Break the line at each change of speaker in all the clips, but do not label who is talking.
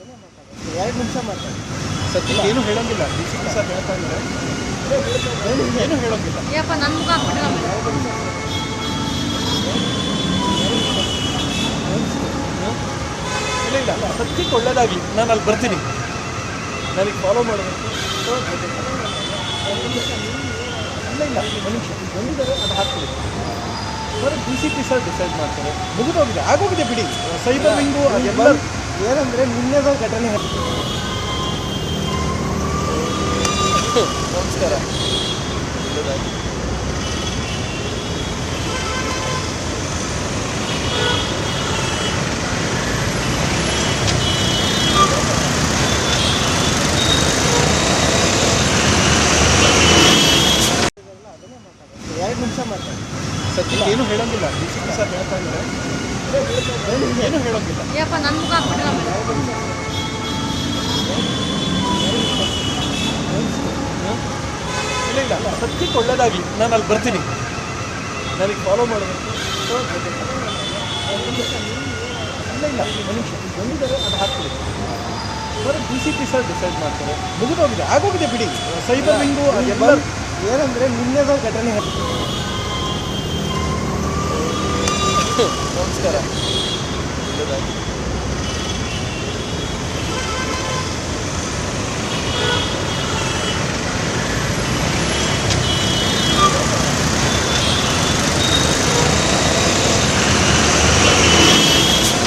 2 ನಿಮಿಷ ಮಾತಾಡಿ.
ಸದ್ಯಕ್ಕೆ ಏನು ಹೇಳೋಂಗಿಲ್ಲ. DCP ಸರ್ ಹೇಳ್ತಾ ಇದ್ದಾರೆ, ಏನು ಹೇಳೋಂಗಿಲ್ಲ.
ಯಪ್ಪ ನನ್ನ ಮುಖ ಹಾಕ್ಬಿಟ್ರೆ
ಇಲ್ಲ ಸದ್ಯಕ್ಕೆ ಒಳ್ಳೇದಾಗಲಿ. ನಾನು ಅಲ್ಲಿ ಬರ್ತೀನಿ, ನನಗೆ ಫಾಲೋ ಮಾಡಬೇಕು. ಇಲ್ಲ ಒಂದು ನಿಮಿಷ ಬಂದಿದ್ದಾರೆ, ಅದು ಹಾಕ್ತೀವಿ. ಬರೀ DCP ಸರ್ ಡಿಸೈಡ್ ಮಾಡ್ತಾರೆ. ಮುಗಿದೋಗಿದೆ, ಆಗೋಗಿದೆ ಬಿಡಿ. ಸೈಬರ್ ವಿಂಗು ಎಲ್ಲ
ಏನಂದ್ರೆ ನಿನ್ನೆದ ಘಟನೆ.
ನಮಸ್ಕಾರ.
ನಿಮಿಷ ಮಾತಾಡಿ.
ಸದ್ಯಕ್ಕೆ ಏನು ಹೇಳೋಂಗಿಲ್ಲ. DCP ಸರ್ ಹೇಳ್ತಾ ಇದ್ದಾರೆ, ಏನು ಹೇಳೋಂಗಿಲ್ಲ.
ಯಪ್ಪ ನನ್ನ ಮುಖ ಹಾಕ್ಬಿಟ್ರೆ
ಇಲ್ಲ ಸದ್ಯಕ್ಕೆ ಒಳ್ಳೇದಾಗಲಿ. ನಾನು ಅಲ್ಲಿ ಬರ್ತೀನಿ, ನನಗೆ ಫಾಲೋ ಮಾಡಬೇಕು. ಇಲ್ಲ ಒಂದು ನಿಮಿಷ ಬಂದಿದ್ದಾರೆ, ಅದು ಹಾಕ್ತೀವಿ. ಬರೀ DCP ಸರ್ ಡಿಸೈಡ್ ಮಾಡ್ತಾರೆ. ಮುಗಿದೋಗಿದೆ, ಆಗೋಗಿದೆ ಬಿಡಿ. ಸೈಬರ್ ವಿಂಗು ಎಲ್ಲ
ಏನಂದ್ರೆ ನಿನ್ನೆದ ಘಟನೆ.
ನಮಸ್ಕಾರ.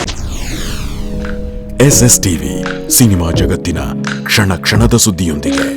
SSTV ಸಿನಿಮಾ ಜಗತ್ತಿನ ಕ್ಷಣ ಕ್ಷಣದ ಸುದ್ದಿಯೊಂದಿಗೆ.